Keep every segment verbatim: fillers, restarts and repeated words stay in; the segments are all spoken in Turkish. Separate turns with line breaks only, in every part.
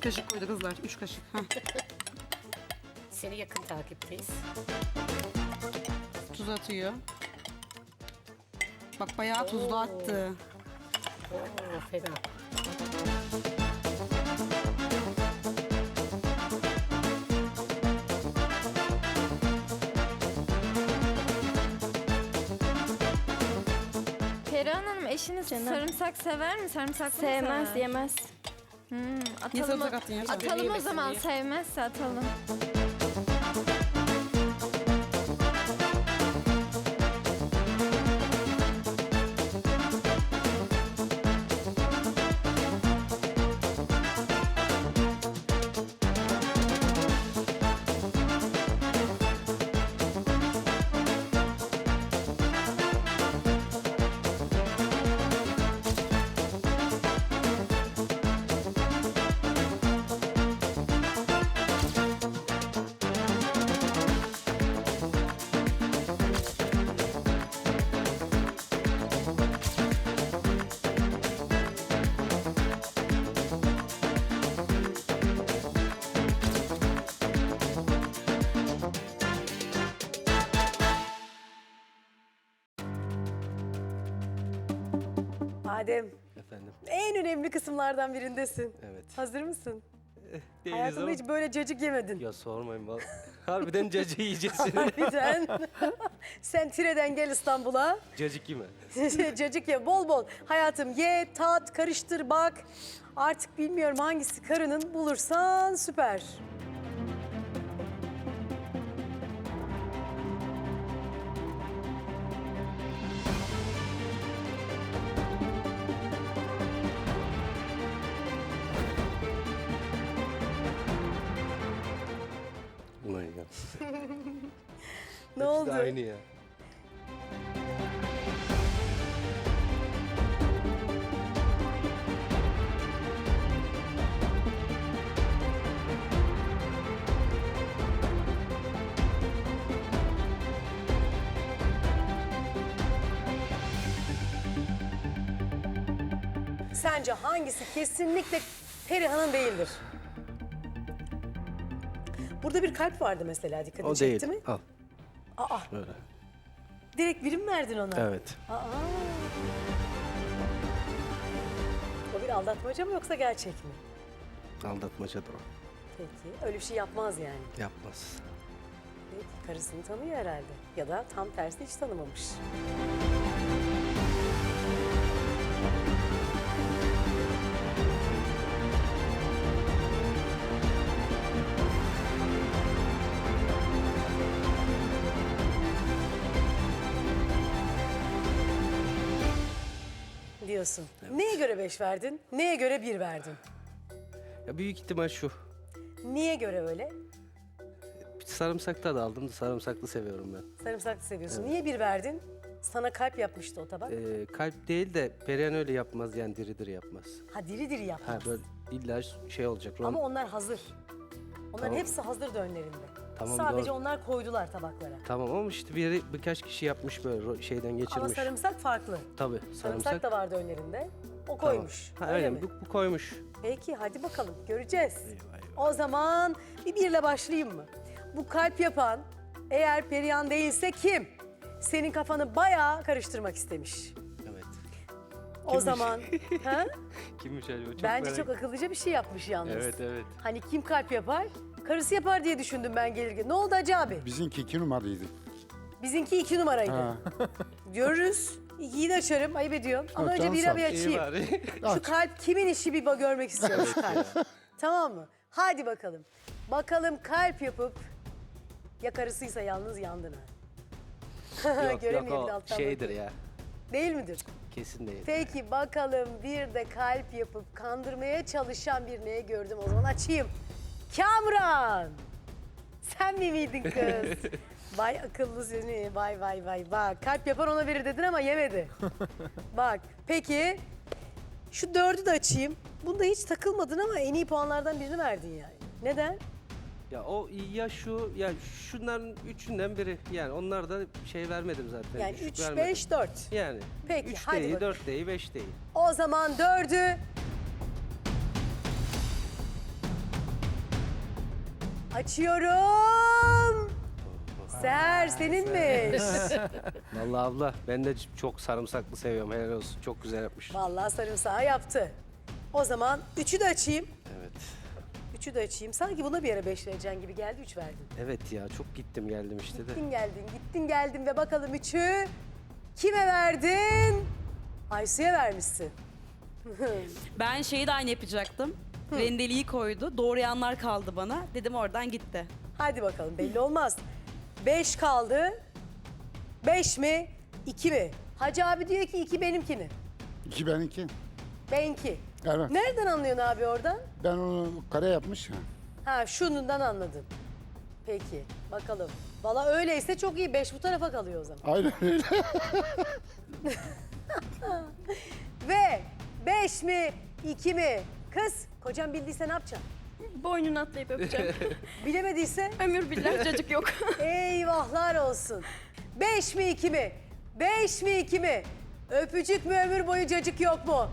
kaşık koydu kızlar. Üç kaşık. Heh.
Seni yakın takipteyiz.
Tuz atıyor. Bak bayağı tuzlu attı.
Oo, fena.
Perihan Hanım eşiniz sarımsak sever mi? Sarımsaklı mı
Sevmez,
sever?
yemez.
Hmm,
Niye
atalım,
sarımsak attın ya?
atalım o
Yemesin
zaman
diye.
sevmezse atalım.
Adem,
Efendim.
en önemli kısımlardan birindesin.
Evet.
Hazır mısın?
Değiliz
Hayatında
ama-
hiç böyle cacık yemedin.
Ya sormayın vallahi. Harbiden cacık yiyeceksin.
Harbiden. Sen Tire'den gel İstanbul'a.
Cacık yeme.
Cacık ye bol bol. Hayatım ye, tat, karıştır, bak. Artık bilmiyorum hangisi karının bulursan süper.
Ulan ya.
Ne
Hepsi
oldu?
de aynı ya.
Sence hangisi kesinlikle Perihan'ın değildir? Burada bir kalp vardı mesela, dikkatini
O değil.
çekti mi?
Al.
Aa,
Böyle.
direkt birim verdin ona.
Evet.
Aa. O bir aldatmaca mı yoksa gerçek mi?
Aldatmacadır o.
Peki, öyle bir şey yapmaz yani.
Yapmaz.
Peki, karısını tanıyor herhalde. Ya da tam tersi hiç tanımamış. Diyorsun. Neye göre beş verdin? Neye göre bir verdin?
Ya büyük ihtimal şu.
Niye göre öyle?
Sarımsak da aldım da sarımsaklı seviyorum ben.
Sarımsaklı seviyorsun. Niye bir verdin? Sana kalp yapmıştı o tabak.
Ee, kalp değil de Perihan öyle yapmaz yani diri diri yapmaz.
Ha, diri diri
Ha
yapmaz.
böyle illa şey olacak. Rom...
Ama onlar hazır. Onların
Tamam.
hepsi hazır önlerinde.
Tamam,
Sadece
doğru.
onlar koydular tabaklara.
Tamam ama işte biri birkaç kişi yapmış böyle ro- şeyden geçirmiş.
Ama sarımsak farklı.
Tabii
Sarımsak,
sarımsak.
da vardı önlerinde. O
Tamam.
koymuş.
Ha,
Öyle
aynen
mi?
bu, bu koymuş.
Peki hadi bakalım göreceğiz. O zaman bir birle başlayayım mı? Bu kalp yapan eğer Perihan değilse kim? Senin kafanı bayağı karıştırmak istemiş.
Evet.
O
Kimmiş?
zaman ha?
Kimmiş acaba? Çok
Bence
merak-
çok akıllıca bir şey yapmış yalnız.
Evet evet.
Hani kim kalp yapar? Karısı yapar diye düşündüm ben gelirken. Ne oldu Hacı abi?
Bizimki iki numaraydı.
Bizimki iki numaraydı.
Ha.
Görürüz. İkiyi de açarım. Ayıp ediyorum. Ama
Ha,
önce
tamam,
bir
sağ ol.
bir
İyi
açayım.
bari.
Şu kalp kimin işi bir görmek istiyorum şu kalp. Tamam mı? Hadi bakalım. Bakalım kalp yapıp ya karısıysa yalnız yandın ha.
yok
Göremiyor
yok
bir de
o
alttan
şeydir
bakıyor.
ya.
Değil midir?
Kesin değil.
Peki bakalım bir de kalp yapıp kandırmaya çalışan bir neye gördüm o zaman açayım. Kamran! Sen mi miydin kız? Vay akıllı seni, vay vay vay. Bak kalp yapar ona verir dedin ama yemedi. Bak peki şu dördü de açayım. Bunda hiç takılmadın ama en iyi puanlardan birini verdin yani. Neden?
Ya o ya şu ya şunların üçünden biri. Yani onlar da şey vermedim zaten.
Yani
düşük
üç,
vermedim.
beş, dört.
Yani.
Peki,
üç
hadi
değil,
bakalım.
dört değil, beş değil.
O zaman dördü Açıyorum. Seher seninmiş.
Vallahi abla ben de çok sarımsaklı seviyorum. Helal olsun. Çok güzel yapmış.
Vallahi sarımsağı yaptı. O zaman üçü de açayım.
Evet.
Üçü de açayım. Sanki buna bir ara beş vereceksin gibi geldi, üç verdin.
Evet ya çok gittim geldim işte de.
Gittin geldin, gittin geldin ve bakalım üçü kime verdin? Aysu'ya vermişsin.
Ben şeyi de aynı yapacaktım. Rendeliği koydu. Doğrayanlar kaldı bana. Dedim oradan gitti.
Hadi bakalım belli olmaz. Beş kaldı. Beş mi? İki mi? Hacı abi diyor ki iki benimkini.
İki benimki.
Benki.
Evet.
Nereden anlıyorsun abi oradan?
Ben onu kare yapmış. ha.
Ha şunundan anladım. Peki bakalım. Valla öyleyse çok iyi. Beş bu tarafa kalıyor o zaman.
Aynen öyle.
Ve beş mi? iki mi? Kız kocam bildiyse ne yapacaksın?
Boynunu atlayıp öpeceğim.
Bilemediyse?
Ömür billah cacık yok.
Eyvahlar olsun. Beş mi iki mi? Beş mi iki mi? Öpücük mü ömür boyu cacık yok mu?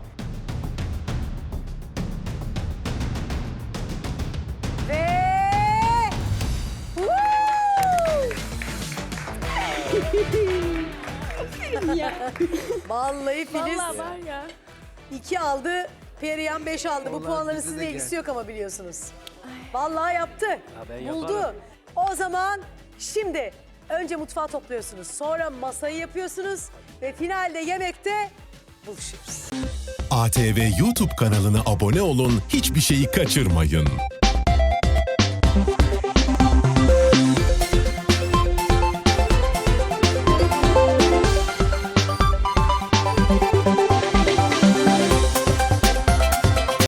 Ve... Woo! Vallahi Filiz
Vallahi var ya.
iki aldı, Perihan beş aldı. Bu
Vallahi
puanların
bize de
sizinle
gel.
ilgisi yok ama biliyorsunuz. Vallahi yaptı.
ben
Buldu.
yaparım.
O zaman şimdi önce mutfağı topluyorsunuz. Sonra masayı yapıyorsunuz. Ve finalde yemekte buluşuyoruz.
A T V YouTube kanalına abone olun, hiçbir şeyi kaçırmayın.